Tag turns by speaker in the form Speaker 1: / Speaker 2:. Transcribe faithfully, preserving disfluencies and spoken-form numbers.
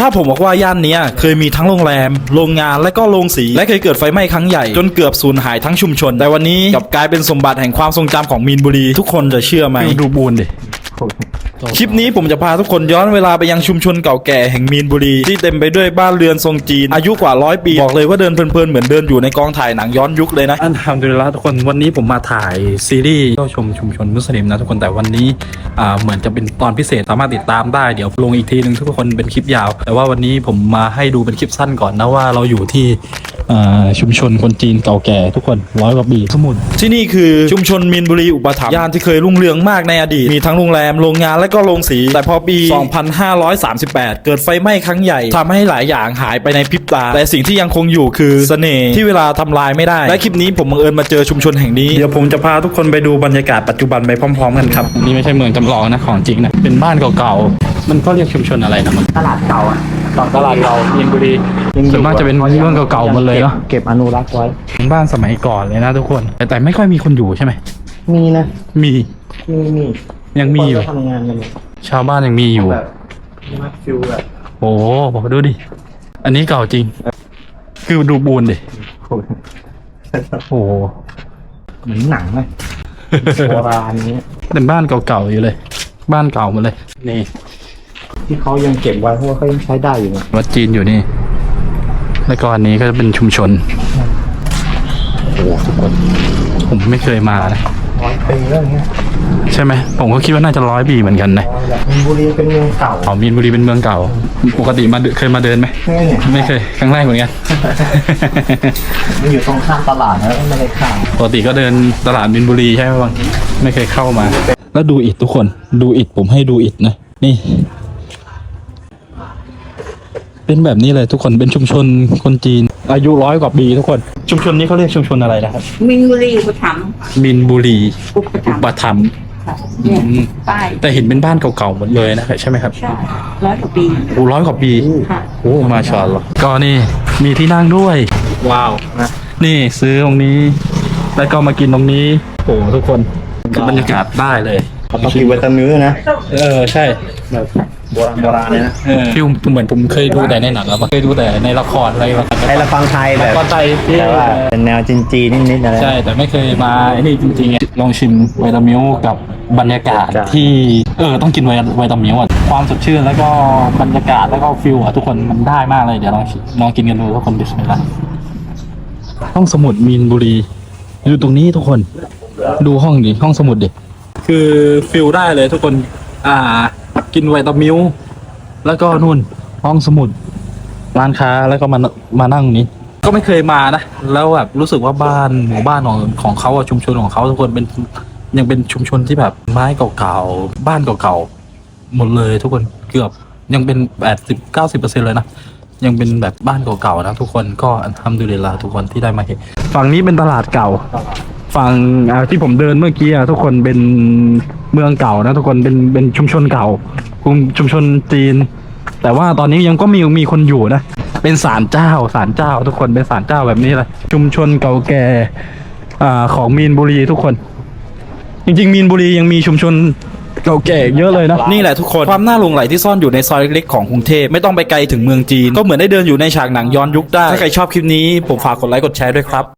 Speaker 1: าผมบอกว่าย่านนี้เคยมีทั้งโรงแรมโรงงานและก็โรงสีและเคยเกิดไฟไหม้ครั้งใหญ่จนเกือบสูญหายทั้งชุมชนแต่วันนี้กลับกลายเป็นสมบัติแห่งความทรงจำของมีนบุรีทุกคนจะเชื่อไหมดูบูนดิคลิปนี้ผมจะพาทุกคนย้อนเวลาไปยังชุมชนเก่าแก่แห่งมีนบุรีที่เต็มไปด้วยบ้านเรือนทรงจีนอายุกว่าร้อยปีบอกเลยว่าเดินเพลินๆเหมือนเดินอยู่ในกองถ่ายหนังย้อนยุคเลยนะ
Speaker 2: อันทำดูแล้วทุกคนวันนี้ผมมาถ่ายซีรีส์เข้าชมชุมชนมุสลิมนะทุกคนแต่วันนี้อ่าเหมือนจะเป็นตอนพิเศษสามารถติดตามได้เดี๋ยวลงอีกทีนึงทุกคนเป็นคลิปยาวแต่ว่าวันนี้ผมมาให้ดูเป็นคลิปสั้นก่อนนะว่าเราอยู่ที่ชุมชนคนจีนเก่าแก่ทุกคนร้อยกว่าปีสมุน
Speaker 1: ที่นี่คือชุมชนมีนบุรีอุปถัมภ์ย่านที่เคยรุ่งเรืองมากในอดีตมีทั้งโรงแรมโรงงานและก็โรงสีแต่พอปี สองพันห้าร้อยสามสิบแปด เกิดไฟไหม้ครั้งใหญ่ทำให้หลายอย่างหายไปในพริบตาแต่สิ่งที่ยังคงอยู่คือเสน่ห์ที่เวลาทำลายไม่ได้และคลิปนี้ผมบังเอิญมาเจอชุมชนแห่งนี้เดี๋ยวผมจะพาทุกคนไปดูบรรยากาศปัจจุบันไปพร้อมๆกันครับ
Speaker 2: นี่ไม่ใช่เมืองจำลองนะของจริงนะเป็นบ้านเก่าๆมันก็เรียกชุมชนอะไรนะมัน
Speaker 3: ตลาดเก่าอ่ะ
Speaker 2: ตลาดเก่ามีนบุรีส่วนมากจะเป็นเรื่องเก่าๆหมดเลยเนาะ
Speaker 3: เก็บอนุรักษ์ไว้
Speaker 2: เป็นบ้านสมัยก่อนเลยนะทุกคนแต่แต่ไม่ค่อยมีคนอยู่ใช่ไหม
Speaker 3: มีนะ
Speaker 2: มี
Speaker 3: มีมี
Speaker 2: ยังมีอยู่
Speaker 3: ทำงานกัน
Speaker 2: ชาวบ้านยังมีอยู่
Speaker 3: แบบมาฟิลแบบ
Speaker 2: โอ้โหดูดิอันนี้เก่าจริงคือดูบูนดิโอ้
Speaker 3: เหมือนหนังเลยโบราณนี้
Speaker 2: เป็นบ้านเก่าๆอยู่เลยบ้านเก่าหมดเลยนี่
Speaker 3: ที่เขายังเก็บไว้เพราะว่าเขายังใช้ได้อยู่นะ
Speaker 2: วัดจีนอยู่นี่แล้วก็อันนี้ก็จะเป็นชุมชนโอ้ทุกคนผมไม่เคยมานะ
Speaker 3: ร้อยปีแล้วเงี้ย
Speaker 2: ใช่ไหมผมก็คิดว่าน่าจะร้อยปีเหมือนกันนะ
Speaker 3: มีนบุรีเป็นเมืองเก่า
Speaker 2: อ๋อมีนบุรีเป็นเมืองเก่าปกติมาเคยมาเดินไหมไม่เคยครั้งแรกเหมือนกัน
Speaker 3: มันอยู่ตรงข้ามตลาดนะไม่ได้ข้าม
Speaker 2: ปกติก็เดินตลาดมีนบุรีใช่ไหมบางไม่เคยเข้ามาแล้วดูอิฐทุกคนดูอิฐผมให้ดูอิฐนะนี่เป็นแบบนี้เลยทุกคนเป็นชุมชนคนจีนอายุร้อยกว่าปีทุกคนชุมชนนี้เขาเรียกชุมชนอะไรนะครับ
Speaker 4: มินบุรีอุปถัมภ์
Speaker 2: มินบุรี
Speaker 4: อุปถัมภ์
Speaker 2: ป้ายแต่เห็นเป็นบ้านเก่าๆหมดเลยนะใช่ไหมครับ
Speaker 4: ใช่ร้อยกว่าปี
Speaker 2: โอ้ร้อยกว่าปีโอ้มาชาอัลลอฮ์ก็นี่มีที่นั่งด้วยว้าวนะนี่ซื้อตรงนี้แล้วก็มากินตรงนี้โอ้ทุกคนคือบรรยากาศได้เลย
Speaker 3: เขาต้องกินไวตามิลนะ
Speaker 2: เออใช่
Speaker 3: แบบโบราณโบราณเลยนะ
Speaker 2: ฟิลเหมือนผมเคยดูแต่ในหนังแล้วเคยดูแต่ในละครอะไร
Speaker 3: ในละครไทยแบบ
Speaker 2: ละครไทย
Speaker 3: แต่ว่าเป็นแนวจีนๆนิดๆอะไร
Speaker 2: ใช่แต่ไม่เคยมาไอ้นี่จริงๆลองชิมไวตามิลกับบรรยากาศที่เออต้องกินไวไวตามิลอ่ะความสดชื่นแล้วก็บรรยากาศแล้วก็ฟิลอ่ะทุกคนมันได้มากเลยเดี๋ยวลองลองกินกันดูทุกคนบิสมิลลาห์ห้องสมุดมีนบุรีอยู่ตรงนี้ทุกคนดูห้องดิห้องสมุดดิคือฟิลได้เลยทุกคนอ่ากินไวตามิลแล้วก็นู่นห้องสมุดร้านค้าแล้วก็มามานั่งนี้ก็ไม่เคยมานะแล้วแบบรู้สึกว่าบ้านหมู่บ้านของของเขาชุมชนของเขาทุกคนเป็นยังเป็นชุมชนที่แบบไม้เก่าๆบ้านเก่าๆหมดเลยทุกคนเกือบยังเป็นแปดสิบเก้าสิบเปอร์เซ็นต์เลยนะยังเป็นแบบบ้านเก่าๆนะทุกคนก็อัลฮัมดุลิลลาห์ทุกคนที่ได้มาเห็นฝั่งนี้เป็นตลาดเก่าฝั่งที่ผมเดินเมื่อกี้ทุกคนเป็นเมืองเก่านะทุกคนเป็นเป็นชุมชนเก่ากลุ่มชุมชนจีนแต่ว่าตอนนี้ยังก็มีมีคนอยู่นะเป็นศาลเจ้าศาลเจ้าทุกคนเป็นศาลเจ้าแบบนี้เลยชุมชนเก่าแก่อ่าของมีนบุรีทุกคนจริงๆมีนบุรียังมีชุมชนเก่าแก่เยอะเลยนะ
Speaker 1: นี่แหละทุกคนความน่าหลงไหลที่ซ่อนอยู่ในซอยเล็กๆของกรุงเทพไม่ต้องไปไกลถึงเมืองจีนก็เหมือนได้เดินอยู่ในฉากหนังย้อนยุคได้ถ้าใครชอบคลิปนี้ผมฝากกดไลค์กดแชร์ด้วยครับ